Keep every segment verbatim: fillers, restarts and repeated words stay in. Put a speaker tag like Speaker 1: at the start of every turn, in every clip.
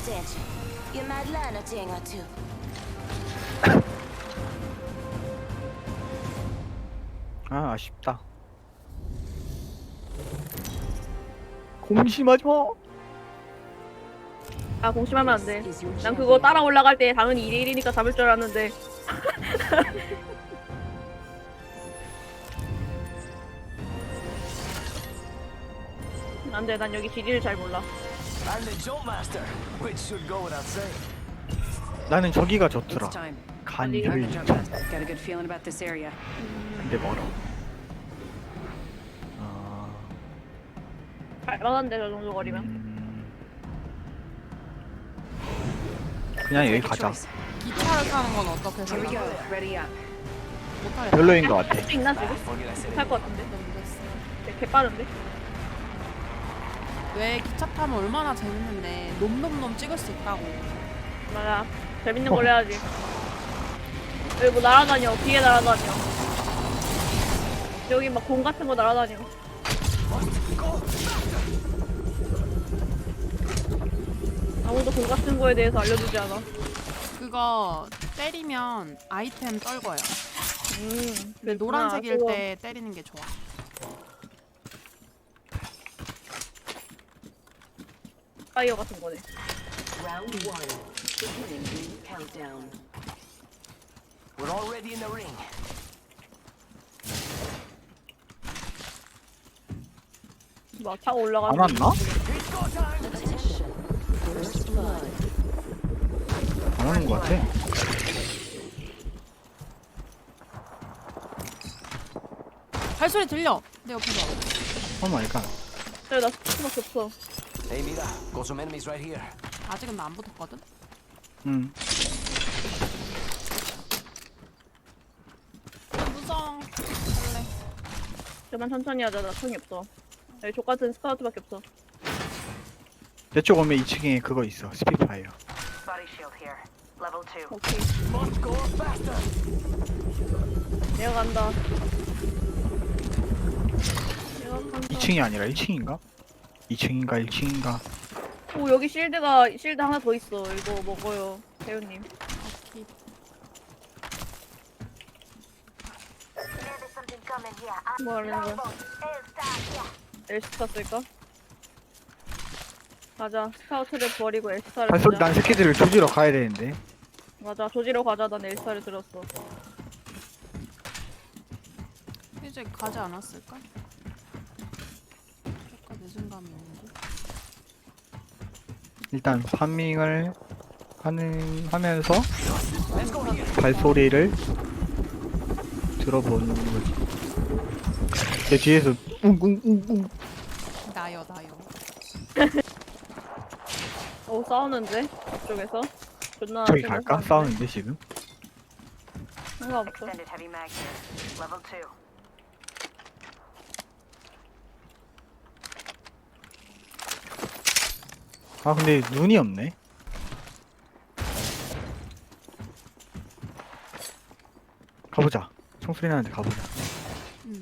Speaker 1: attention. You might learn a thing or two.
Speaker 2: 아 아쉽다. 공심하지 마.
Speaker 3: 아 공심하면 안 돼. 난 그거 따라 올라갈 때 당연히 이 대 일이니까 잡을 줄 알았는데. 안 돼, 난 여기 지리를 잘 몰라.
Speaker 4: I'm the jump master, which should go without saying.
Speaker 2: 나는 저기가 좋더라.
Speaker 5: It's time.
Speaker 2: 간을.
Speaker 5: I'm the jump master. Got a good feeling about this area.
Speaker 2: 근데 멀어. 아.
Speaker 3: 갈만한데 저 정도 거리면.
Speaker 2: 음... 그냥 여기 가자.
Speaker 6: 기차를 타는 건 어떻게
Speaker 5: Here we go.
Speaker 6: 생각해?
Speaker 5: Ready up.
Speaker 6: 못하겠다.
Speaker 2: 별로인 것 같아.
Speaker 3: 할 수 있나 지금?
Speaker 4: Forget I said
Speaker 3: 못할
Speaker 4: it.
Speaker 3: 것 같은데.
Speaker 6: 너무 늦었어.
Speaker 3: 개 빠른데?
Speaker 6: 왜 기차 타면 얼마나 재밌는데 놈놈놈 찍을 수 있다고.
Speaker 3: 맞아. 재밌는 걸 해야지. 여기 뭐 날아다녀. 뒤에 날아다녀. 여기 막 공 같은 거 날아다녀. 아무도 공 같은 거에 대해서 알려주지 않아.
Speaker 6: 그거 때리면 아이템 떨궈요.
Speaker 3: 음.
Speaker 6: 근데 노란색일
Speaker 3: 그거
Speaker 6: 때 때리는 게 좋아.
Speaker 3: 파이어 같은 거네.
Speaker 5: Round one. Beginning ring countdown.
Speaker 4: We're already in the ring.
Speaker 3: 막 타고 올라가.
Speaker 2: 안 왔나?
Speaker 4: It's go time.
Speaker 5: Attention. First blood.
Speaker 2: 안 오는 것 같아.
Speaker 6: 발소리 들려. 내 옆에서.
Speaker 2: 오 마이 갓.
Speaker 3: 그래 나 스피커밖에 없어.
Speaker 4: Hey, mira, got some enemies right here.
Speaker 6: 아직은 나 안 붙었거든.
Speaker 2: 응.
Speaker 6: 무성. 할래.
Speaker 3: 그만 천천히 하자. 나 총이 없어. 여기 족 같은 스카우트밖에 없어.
Speaker 2: 내 쪽 오면 이 층에 그거 있어. 스피파이어.
Speaker 7: Body shield here. Level two.
Speaker 3: 오케이.
Speaker 4: Must go faster.
Speaker 3: 내려간다. 내려간다.
Speaker 2: 이 층이 아니라 일 층인가? 이 층인가 일 층인가?
Speaker 3: 오 여기 실드가 실드 하나 더 있어. 이거 먹어요, 배우님.
Speaker 6: 오케이.
Speaker 1: There's something coming here. I'm
Speaker 3: 뭐 하는 거야?
Speaker 1: L-star here.
Speaker 3: 엘스타 쓸까? 맞아. 스카우트를 버리고 엘스타를
Speaker 2: 발소리
Speaker 3: 쓰자.
Speaker 2: 난 새끼들을 조지러 가야 되는데.
Speaker 3: 맞아. 조지러 가자. 난 엘스타를 들었어.
Speaker 6: 이제 가지 않았을까? 약간 늦은 감이 있는데.
Speaker 2: 일단 파밍을 하는 하면서 발소리를 들어보는 거지. 내 뒤에서 웅웅웅웅.
Speaker 6: 나요 나요.
Speaker 3: 오 싸우는데? 이쪽에서? 존나
Speaker 2: 저기
Speaker 3: 존나
Speaker 2: 갈까?
Speaker 3: 싸우는데?
Speaker 2: 싸우는데 지금?
Speaker 3: 상관없어.
Speaker 7: Extended heavy mag here. Level two.
Speaker 2: 아 근데 눈이 없네. 가보자. 총소리 나는데 가보자.
Speaker 6: 응.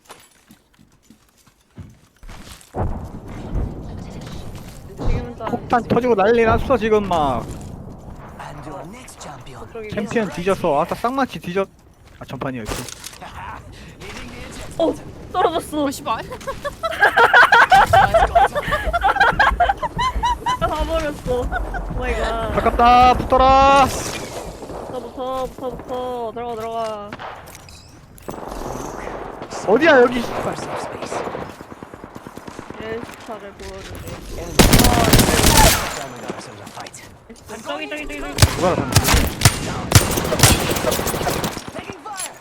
Speaker 3: 지금은 또
Speaker 2: 폭탄 터지고 난리 났어 지금 막.
Speaker 4: And your next champion.
Speaker 3: 저쪽이고.
Speaker 2: 챔피언 뒤졌어. 아까 쌍마치 뒤졌. 아 전판이었지.
Speaker 4: Hitting the eject.
Speaker 3: 어! 떨어졌어.
Speaker 6: 어 씨발.
Speaker 3: 가버렸어. 오마이갓.
Speaker 2: 가깝다. 붙어라.
Speaker 3: 붙어 붙어 붙어 붙어. 들어가 들어가.
Speaker 2: 어디야 여기.
Speaker 4: First up space.
Speaker 3: 엘스타를 보여주세요.
Speaker 4: Enemy. Time we got ourselves a fight.
Speaker 3: 저기 저기 저기 저기.
Speaker 2: 누가 알아?
Speaker 4: Taking fire.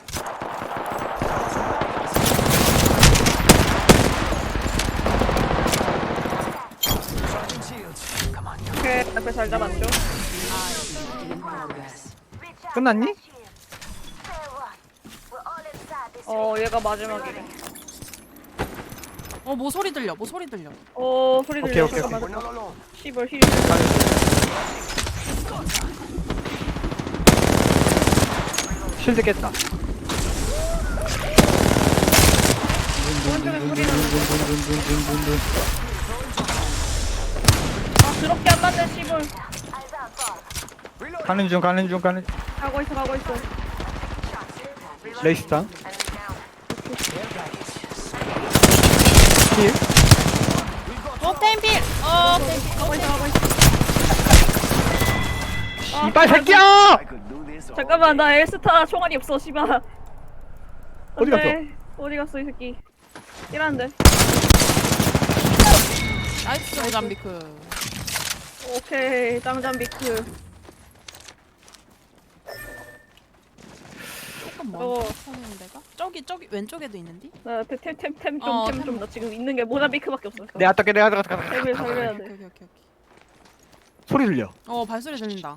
Speaker 4: Charging shields. Come on, come
Speaker 3: 오케이. 앞에 잘 잡았죠?
Speaker 5: In progress.
Speaker 1: Reach out
Speaker 2: 끝났니?
Speaker 1: for my shield. Fair one. We're all inside this
Speaker 3: 어 얘가 마지막이래.
Speaker 6: 어 뭐 소리 들려. 뭐 소리 들려.
Speaker 3: 어 소리
Speaker 2: 오케이,
Speaker 3: 들려.
Speaker 2: 오케이,
Speaker 3: 잠깐만.
Speaker 4: We're not alone.
Speaker 3: 시벌 힐.
Speaker 2: 실드 깼다.
Speaker 3: 오른쪽에 소리 나는 거.
Speaker 2: 둔둔둔둔둔둔둔둔.
Speaker 3: 아 더럽게 안 맞네 시벌.
Speaker 4: Reload.
Speaker 2: 가는 중 가는 중 가는
Speaker 3: 가고 있어 가고 있어.
Speaker 2: 레이스다
Speaker 7: Enemy down.
Speaker 4: Care package.
Speaker 2: 힐
Speaker 6: 어 템필. 어 템필.
Speaker 3: 가고 있어 가고 있어.
Speaker 2: 씨발 새끼야
Speaker 4: I could do this all
Speaker 3: 잠깐만 나 엘스타 총알이 없어 씨발.
Speaker 2: 어디 갔어?
Speaker 3: 안돼. 어디 갔어 이 새끼. 이라는데.
Speaker 6: 나이스 모잠비크.
Speaker 3: 오케이 짱잠비크.
Speaker 6: 조금
Speaker 3: 어.
Speaker 6: 먼저 터는 데가? 저기 저기 왼쪽에도 있는데?
Speaker 3: 나템템템 좀
Speaker 6: 어,
Speaker 3: 템
Speaker 6: 템.
Speaker 3: 좀 나 지금 있는 게 모자비크밖에 없어.
Speaker 2: 내가 어떻게 내가 어떻게
Speaker 3: 템을 살려야
Speaker 6: 오케이
Speaker 3: 돼.
Speaker 6: 오케이 오케이. 오케이.
Speaker 2: 소리 들려
Speaker 6: 어 발소리 들린다.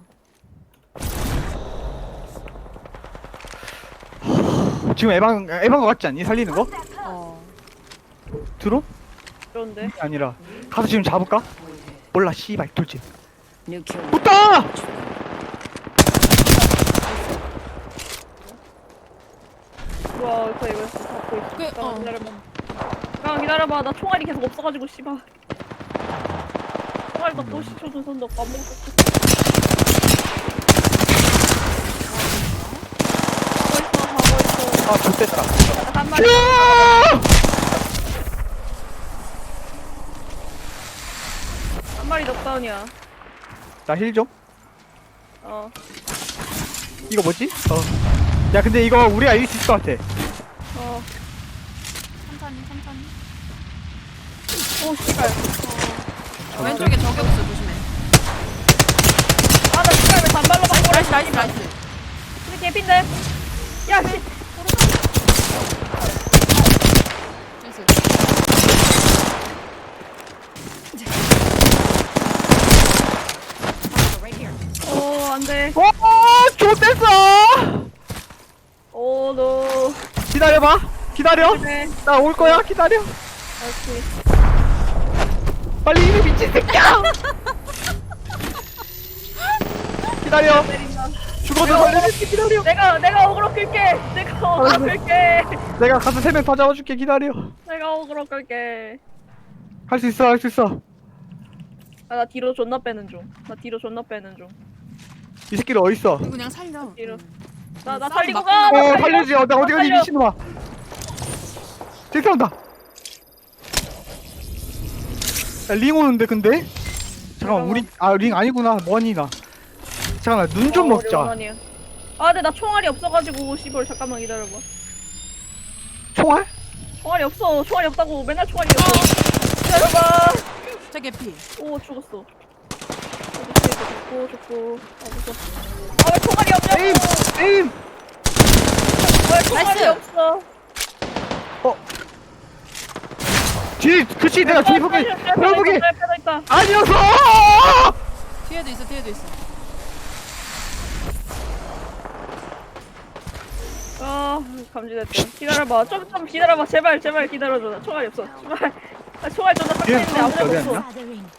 Speaker 2: 지금 에방 에방 거 같지 않니? 살리는 거?
Speaker 6: 어.
Speaker 2: 드론?
Speaker 3: 그런데
Speaker 2: 아니라 가서 지금 잡을까? 몰라 씨발 돌지
Speaker 5: New kill.
Speaker 2: 붙다!
Speaker 3: 와 이거 이거 잡고 있어.
Speaker 6: 그,
Speaker 3: 잠깐만
Speaker 6: 어.
Speaker 3: 기다려봐. 잠깐 기다려봐. 나 총알이 계속 없어가지고 씨발. 총알도 또 시켜준 손도 없고 아무것도 없어. 가고 있어 가고 있어.
Speaker 2: 아 좋댔다
Speaker 3: 나 한 마리. 한 마리 넉다운이야.
Speaker 2: 나힐 좀?
Speaker 3: 어.
Speaker 2: 이거 뭐지? 어야 근데 이거 우리가 이길 수 있을 것 같아
Speaker 3: 어.
Speaker 6: 천천히 천천히.
Speaker 3: 오 씨발.
Speaker 6: 어. 왼쪽에 저격 있어 조심해.
Speaker 3: 아나 씨발 왜 단발로 바꿔?
Speaker 6: 나이스 나이스 나이스.
Speaker 3: 근데 개핀데. 야 씨.
Speaker 6: 나이스.
Speaker 3: 오 안돼.
Speaker 2: 오 좋댔어
Speaker 3: 오 노.
Speaker 2: 기다려봐 기다려
Speaker 3: 네.
Speaker 2: 나 올 거야 기다려
Speaker 3: 오케이.
Speaker 2: 빨리 이리 미친 새끼야 기다려
Speaker 3: 때린다.
Speaker 2: 죽어도 살려줄게 기다려
Speaker 3: 내가 내가 어그로 끌게. 내가 어그로 끌게.
Speaker 2: 내가 가서 세 명 다 잡아줄게 기다려
Speaker 3: 내가 어그로 끌게.
Speaker 2: 할 수 있어 할 수 있어
Speaker 3: 아, 나 뒤로 존나 빼는 중. 나 뒤로 존나 빼는 중.
Speaker 2: 이 새끼들 어딨어
Speaker 6: 이거 그냥 살려.
Speaker 3: 이러.
Speaker 6: 응.
Speaker 3: 나 나
Speaker 6: 싸움
Speaker 3: 살리고
Speaker 6: 막
Speaker 3: 가. 나
Speaker 2: 어
Speaker 3: 살려.
Speaker 2: 살려주지 어, 나 어디 가니
Speaker 3: 살려.
Speaker 2: 미친놈아 저기 싸운다 야, 링 오는데 근데? 잠깐만 우리 아 링 아니구나 머니나 잠깐만 눈 좀
Speaker 3: 어,
Speaker 2: 먹자
Speaker 3: 오랜만이야. 아 근데 나 총알이 없어가지고 씨발 잠깐만 기다려봐.
Speaker 2: 총알?
Speaker 3: 총알이 없어. 총알이 없다고. 맨날 총알이 없어. 기다려봐.
Speaker 6: 저 개피.
Speaker 3: 오 죽었어. 죽고 죽고. 아 무서워. 아왜 총알이 없냐고.
Speaker 2: 에임! 에임!
Speaker 3: 왜 총알이
Speaker 6: 나이스.
Speaker 3: 없어.
Speaker 2: 어 뒤! 그치 내가 뒤에 보기 내가 보기
Speaker 3: 빼다 있다.
Speaker 2: 아니었어!
Speaker 6: 뒤에도 있어 뒤에도 있어.
Speaker 3: 아 감지됐다. 기다려봐. 좀 좀 기다려봐. 제발 제발 기다려줘. 나 총알이 없어. 제발. 나 총알 존나 딱
Speaker 2: 얘는
Speaker 3: 있는데 아무데도
Speaker 2: 어디
Speaker 3: 없어.
Speaker 2: 갔냐?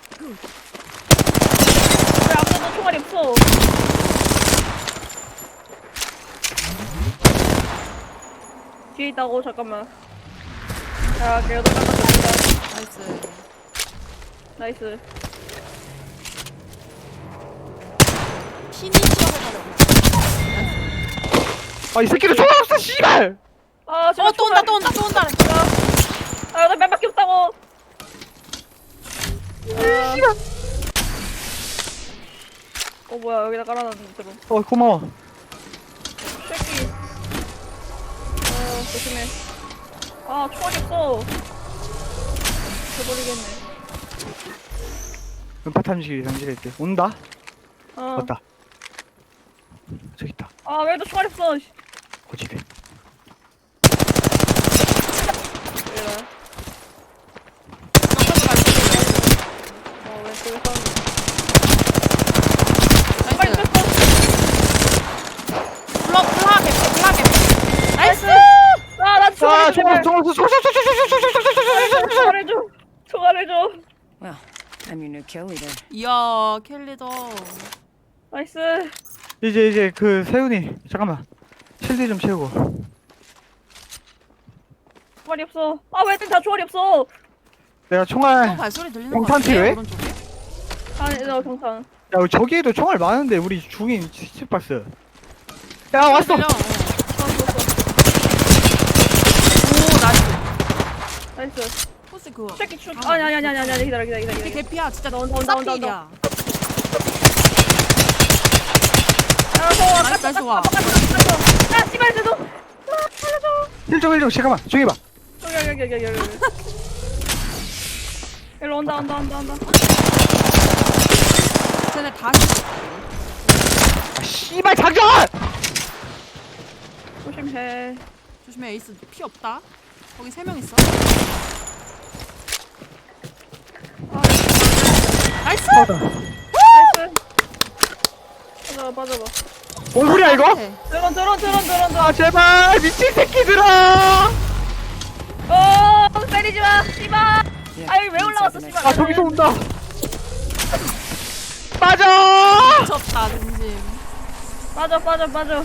Speaker 3: 왜 아무데도 총알이 없어. 뒤에 있다고 잠깐만. 야 걔도 깜짝이야.
Speaker 6: 나이스.
Speaker 3: 나이스.
Speaker 6: 피니시어를 하려고.
Speaker 2: 아 이 새끼들 총알 없어 씨발!
Speaker 3: 아 제발
Speaker 6: 어또 온다 또 온다 또 온다.
Speaker 3: 아나 맨밖에 없다고. 아.
Speaker 2: 씨발!
Speaker 3: 어 뭐야 여기다 깔아놨는데 드론.
Speaker 2: 어 고마워
Speaker 3: 새끼. 어 조심해. 아 총알이 없어. 죽어버리겠네.
Speaker 2: 음파 탐지기 장치할게 온다?
Speaker 3: 어.
Speaker 2: 왔다 저기 있다
Speaker 3: 아 왜도 총알이 없어. 씨.
Speaker 2: 고집해
Speaker 3: 얘라. 어 왼쪽에 사운드. 빨리
Speaker 6: 나이스.
Speaker 3: 뺐어.
Speaker 6: 블러 블러 개피 블러 개피. 나이스.
Speaker 3: 아나
Speaker 2: 아
Speaker 3: 총알
Speaker 2: 총알
Speaker 3: 좀.
Speaker 2: 총알 총알 총알
Speaker 3: 총알해 줘. 총알해 줘.
Speaker 5: Well, I'm your new kill leader.
Speaker 6: 이야 켈리더.
Speaker 3: 나이스.
Speaker 2: 이제 이제 그 세훈이 잠깐만 실드 좀 채우고
Speaker 3: 총알이 없어. 아 왜 다 총알이 없어.
Speaker 2: 내가
Speaker 6: 또
Speaker 2: 총알
Speaker 6: 발소리 들리는 거
Speaker 2: 경탄
Speaker 6: 같은데
Speaker 2: 필요해?
Speaker 6: 오른쪽에?
Speaker 3: 아니 너 경탄.
Speaker 2: 야 우리 저기에도 총알 많은데 우리 중인 시체박스. 야 왔어.
Speaker 6: 들려. 어.
Speaker 3: 오 나이스.
Speaker 6: 나이스.
Speaker 3: 나이스.
Speaker 6: 포스 그거.
Speaker 3: 새끼 출. 아니 아니 아니 아니 아니 기다려 기다려 기다려.
Speaker 6: 근데
Speaker 3: 기다려.
Speaker 6: 개피야 진짜
Speaker 3: 온다, 온다, 온다,
Speaker 6: 쌉필이야.
Speaker 3: 아 좋아.
Speaker 6: 나이스 나이스 와.
Speaker 3: 아 씨발 쟤도. 아 살려줘.
Speaker 2: 일정 일정 잠깐만 조용히 봐.
Speaker 3: 여기 여기 여기 여기 여기. 여기. 일로 온다 온다 온다 온다.
Speaker 6: 쟤네 다시
Speaker 2: 아, 씨발 장전!
Speaker 3: 조심해.
Speaker 6: 조심해. 에이스 피 없다. 거기 세 명 있어.
Speaker 3: 아
Speaker 6: 나이스.
Speaker 2: 맞아.
Speaker 3: 나이스. 맞아 맞아 봐.
Speaker 2: 뭔 소리야 이거?
Speaker 3: 드론 드론 드론 드론 드론.
Speaker 2: 아 제발 미친 새끼들아!
Speaker 3: 어 때리지 마. 씨발.
Speaker 5: Yeah,
Speaker 3: 아 여기 왜
Speaker 5: inside
Speaker 3: 올라왔어
Speaker 5: the
Speaker 3: 씨발.
Speaker 2: 아 저기서 온다. 빠져!
Speaker 6: 미쳤다 진심.
Speaker 3: 빠져 빠져 빠져.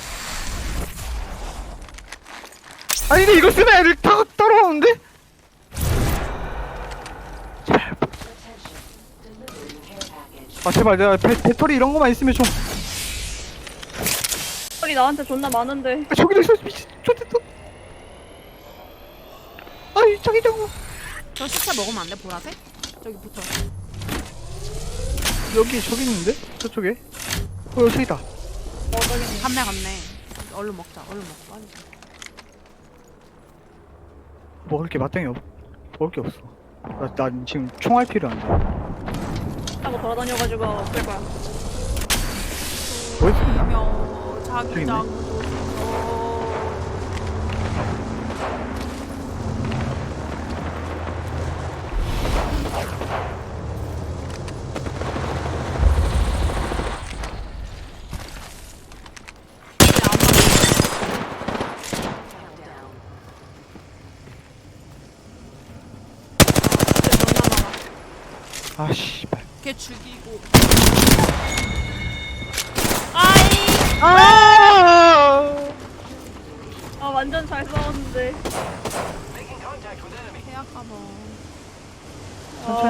Speaker 2: 아니 근데 이거 쓰면 애들 다 따라오는데? 제발. 아 제발 내가 배, 배터리 이런 거만 있으면 좀.
Speaker 3: 소리 나한테 존나 많은데.
Speaker 2: 아, 저기도 있어 미친 좋겠다. 아이 저기 저거.
Speaker 6: 저 시체 먹으면 안 돼? 보라색? 저기 붙어.
Speaker 2: 여기 저기 있는데? 저쪽에? 어 저기 있다.
Speaker 6: 갔네 갔네. 얼른 먹자. 얼른 먹자. 빨리.
Speaker 2: 먹을 게 마땅히 없. 먹을 게 없어. 나, 난 지금 총알 필요한데.
Speaker 3: 하고 돌아다녀가지고 없을 거야.
Speaker 2: 뭐 있습니다.
Speaker 6: 며 자기장.
Speaker 2: 아 씨발.
Speaker 6: 걔 죽이고. 아이.
Speaker 2: 아!
Speaker 3: 아 완전 잘 싸웠는데.
Speaker 6: 계약 가봐.
Speaker 3: 아